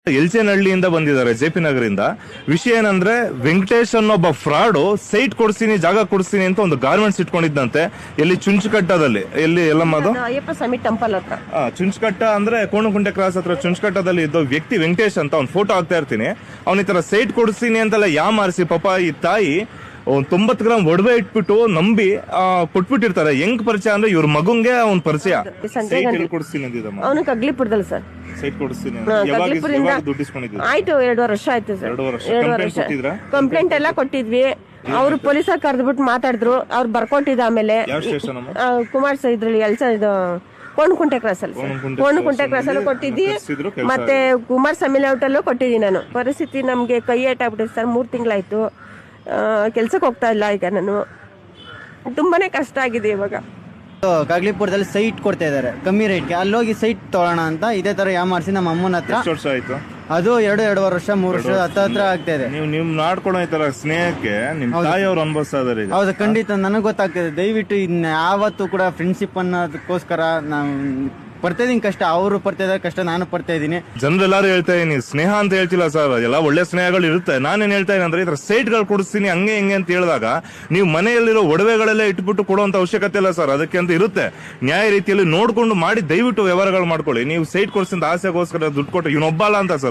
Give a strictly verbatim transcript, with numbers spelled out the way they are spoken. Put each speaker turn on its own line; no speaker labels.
ಎಲ್ಚೇನಹಳ್ಳಿಯಿಂದ ಬಂದಿದ್ದಾರೆ J P ನಗರಿಂದ. ವಿಷಯ ಏನಂದ್ರೆ, ವೆಂಕಟೇಶ್ ಅನ್ನೊಬ್ಬ ಫ್ರಾಡು ಸೈಟ್ ಕೊಡಿಸ್ತೀನಿ ಜಾಗ ಕೊಡಿಸ್ತೀನಿ ಅಂತ ಒಂದು ಗಾರ್ಮೆಂಟ್ಸ್ ಇಟ್ಕೊಂಡಿದ್ದಂತೆ. ಎಲ್ಲಿ ಚುಂಚುಕಟ್ಟದಲ್ಲಿ, ಎಲ್ಲಿ ಎಲ್ಲಮ್ಮ ಅದು
ಅಯ್ಯಪ್ಪ ಸ್ವಾಮಿ ಟೆಂಪಲ್ ಹತ್ರ.
ಚುಂಚುಕಟ್ಟ ಅಂದ್ರೆ ಕೋಣಕುಂಟೆ ಕ್ರಾಸ್ ಹತ್ರ ಚುಂಚುಕಟ್ಟದಲ್ಲಿ ಇದ್ದ ವ್ಯಕ್ತಿ ವೆಂಕಟೇಶ್ ಅಂತ ಅವ್ನ ಫೋಟೋ ಹಾಕ್ತಾ ಇರ್ತೀನಿ. ಅವನ ಈ ತರ ಸೈಟ್ ಕೊಡಿಸ್ತೀನಿ ಅಂತೆಲ್ಲ ಯಾ ಮಾರಿಸಿ ಪಾಪ ಈ ತಾಯಿ ಒಂದ್ ತೊಂಬತ್ ಗ್ರಾಮ್ ಒಡವೆ ಇಟ್ಬಿಟ್ಟು ನಂಬಿ ಕೊಟ್ಬಿಟ್ಟಿರ್ತಾರೆ. ಹೆಂಗ್ ಪರಿಚಯ ಅಂದ್ರೆ ಇವ್ರ ಮಗುಂಗೆ ಅವ್ನ್ ಪರಿಚಯ. ಕೊಡಿಸ್ತೀನಿ ಅಂದಿದ್ದಮ್ಮ
ಅವನು ಕಗ್ಲಿಪುರದಲ್ಲಿ ಸರ್
ಸೈಟ್ ಕೊಡಿಸ್ತೀನಿ.
ಆಯ್ತು, ಎರಡೂವರೆ ವರ್ಷ ಆಯ್ತು ಸರ್. ಎರಡೂವರೆ ವರ್ಷ ಕಂಪ್ಲೇಂಟ್ ಎಲ್ಲ ಕೊಟ್ಟಿದ್ವಿ. ಅವ್ರು ಪೊಲೀಸ ಕರೆದ್ಬಿಟ್ಟು ಮಾತಾಡಿದ್ರು. ಅವ್ರು ಬರ್ಕೊಟ್ಟಿದ್ದ. ಆಮೇಲೆ ಕುಮಾರ್ ಇದ್ರಲ್ಲಿ ಎಲ್ಸ ಇದು ಕೋಣಕುಂಟೆ ಕ್ರಾಸ್ ಅಲ್ಲಿ ಕೋಣಕುಂಟೆ ಕ್ರಾಸ್ ಅಲ್ಲಿ ಕೊಟ್ಟಿದ್ದಿ. ಮತ್ತೆ ಕುಮಾರಸ್ವಾಮಿ ಲೇಔಟ್ ಅಲ್ಲೂ ಕೊಟ್ಟಿದ್ದೀನಿ ನಾನು. ಪರಿಸ್ಥಿತಿ ನಮ್ಗೆ ಕೈ ಏಟಾಗ್ಬಿಟ್ಟಿದೆ ಸರ್. ಮೂರ್ ತಿಂಗಳಾಯ್ತು, ಕೆಲ್ಸಕ್ಕೆ ಹೋಗ್ತಾ ಇಲ್ಲ. ಈಗ ನಾನು ತುಂಬಾನೇ ಕಷ್ಟ ಆಗಿದೆ ಇವಾಗ.
ಕಗ್ಲಿಪುರದಲ್ಲಿ ಸೈಟ್ ಕೊಡ್ತಾ ಇದಾರೆ ಕಮ್ಮಿ ರೇಟ್ಗೆ. ಅಲ್ಲೋಗಿ ಸೈಟ್ ತಗೋಣ ಅಂತ ಇದೇ ತರ ಯಾಮಾರಿಸಿ ನಮ್ಮ ಅಮ್ಮನ ಹತ್ರ.
ವರ್ಷ ಆಯ್ತು
ಅದು ಎರಡು ಎರಡೂವರೆ ವರ್ಷ ಮೂರು ವರ್ಷ ಹತ್ತ ಹತ್ರ ಆಗ್ತಾ ಇದೆ.
ನೀವು ನಿಮ್ ನಾಡ್ಕೊಳೋ ಈ ತರ ಸ್ನೇಹಕ್ಕೆ ನಿಮ್ ತಾಯಿ ಅವ್ರು ಅನುಭವಿಸ್ತಾ ಇದಾರೆ.
ಹೌದು, ಖಂಡಿತ ನನಗೆ ಗೊತ್ತಾಗ್ತದೆ. ದಯವಿಟ್ಟು ಇನ್ನ ಯಾವತ್ತೂ ಕೂಡ ಫ್ರೆಂಡ್ಶಿಪ್ ಅನ್ನೋದಕ್ಕೋಸ್ಕರ ನಾವು ಪಡ್ತಾ ಇದೀನಿ ಕಷ್ಟ. ಅವರು ಪಡ್ತಾ ಇದಾರೆ ಕಷ್ಟ, ನಾನು ಪಡ್ತಾ ಇದ್ದೀನಿ.
ಜನರೆಲ್ಲಾರು ಹೇಳ್ತಾ ಇದೀನಿ, ಸ್ನೇಹ ಅಂತ ಹೇಳ್ತಿಲ್ಲ ಸರ್. ಎಲ್ಲ ಒಳ್ಳೆ ಸ್ನೇಹಗಳು ಇರುತ್ತೆ. ನಾನೇನ್ ಹೇಳ್ತಾ ಇದೀನಿ ಅಂದ್ರೆ, ಈ ತರ ಸೈಟ್ ಗಳು ಕೊಡಿಸ್ತೀನಿ ಹಂಗೆ ಹಿಂಗೆ ಅಂತ ಹೇಳಿದಾಗ ನೀವು ಮನೆಯಲ್ಲಿರೋ ಒಡವೆಗಳೆಲ್ಲ ಇಟ್ಬಿಟ್ಟು ಕೊಡುವಂತ ಅವಶ್ಯಕತೆ ಇಲ್ಲ ಸರ್. ಅದಕ್ಕೆ ಅಂತ ಇರುತ್ತೆ. ನ್ಯಾಯ ರೀತಿಯಲ್ಲಿ ನೋಡ್ಕೊಂಡು ಮಾಡಿ ದಯವಿಟ್ಟು ವ್ಯವಹಾರಗಳು ಮಾಡ್ಕೊಳ್ಳಿ. ನೀವು ಸೈಟ್ ಕೊಡಿಸಿದ ಆಸೆಗೋಸ್ಕರ ದುಡ್ಡು ಕೊಟ್ಟು ಇವನೊಬ್ಬ ಅಲ್ಲ ಅಂತ ಸರ್.